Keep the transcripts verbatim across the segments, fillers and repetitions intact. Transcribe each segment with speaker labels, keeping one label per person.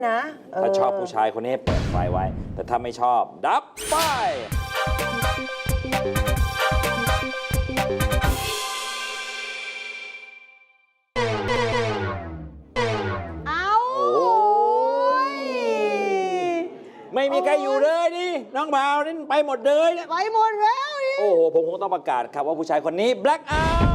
Speaker 1: นะ
Speaker 2: ถ้าชอบผู้ชายคนนี้เปิดไฟไว้แต่ถ้าไม่ชอบดับไฟ
Speaker 1: เอา
Speaker 2: ไม่มีใครอยู่เลยนี่น้องบ่าวนี่ไปหมดเลยเนี่ย
Speaker 1: ไปหมดแล้วนี่
Speaker 2: โอ้โหผมคงต้องประกาศครับว่าผู้ชายคนนี้ black out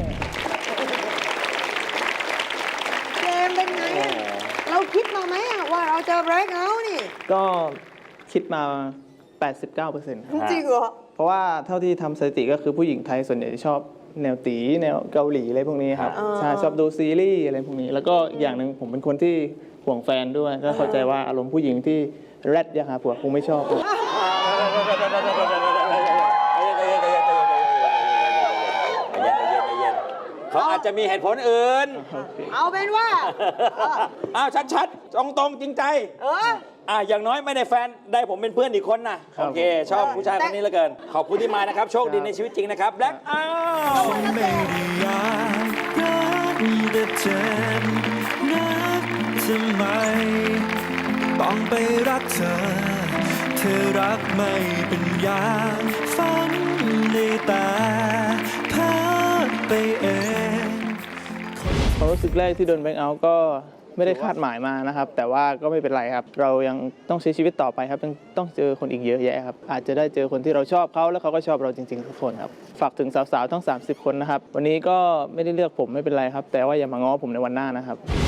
Speaker 1: เกมเป็นไงอะเราคิดมาไหมอะว่าเราเจอ break out นี่
Speaker 3: ก็คิดมา แปดสิบเก้าเปอร์เซ็นต์ ครับ
Speaker 1: จริงเหรอ
Speaker 3: เพราะว่าเท่าที่ทำสถิติก็คือผู้หญิงไทยส่วนใหญ่ชอบแนวตีแนวเกาหลีอะไรพวกนี้ครับใช่ชอบดูซีรีส์อะไรพวกนี้ แล้วก็อีกอย่างหนึ่งผมเป็นคนที่ห่วงแฟนด้วย ก็เข้าใจว่าอารมณ์ผู้หญิงที่แรดยังหาผัวคงไม่ชอบ
Speaker 2: เขาอาจจะมีเหตุผลอื่น
Speaker 1: เอาเป็นว่า
Speaker 2: อ้าวชัดๆตรงๆจริงใจ
Speaker 1: เออ
Speaker 2: อ่ะอย่างน้อยไม่ได้แฟนได้ผมเป็นเพื่อนอีกคนนะโอเค ชอบผู้ชายคนนี้เหลือเกิน ขอบคุณที่มานะครับ โชคดีในชีวิตจริงนะครับแบล็คเอาท์
Speaker 4: ไม่ได้อยากรักแต่เจ็บนักทำไมต้องไปรักเธอ เธอรักไม่เป็นอย่างฝันได้แต่พาไปเอง
Speaker 3: ความรู้สึกแรกที่โดนแบงค์เอาท์ก็ไม่ได้คาดหมายมานะครับ แต่ว่าก็ไม่เป็นไรครับ เรายังต้องใช้ชีวิตต่อไปครับยังต้องเจอคนอีกเยอะแยะครับอาจจะได้เจอคนที่เราชอบเขาแล้วเขาก็ชอบเราจริงๆทุกคนครับฝากถึงสาวๆทั้งสามสิบคนนะครับวันนี้ก็ไม่ได้เลือกผมไม่เป็นไรครับแต่ว่าอย่ามาง้อผมในวันหน้านะครับ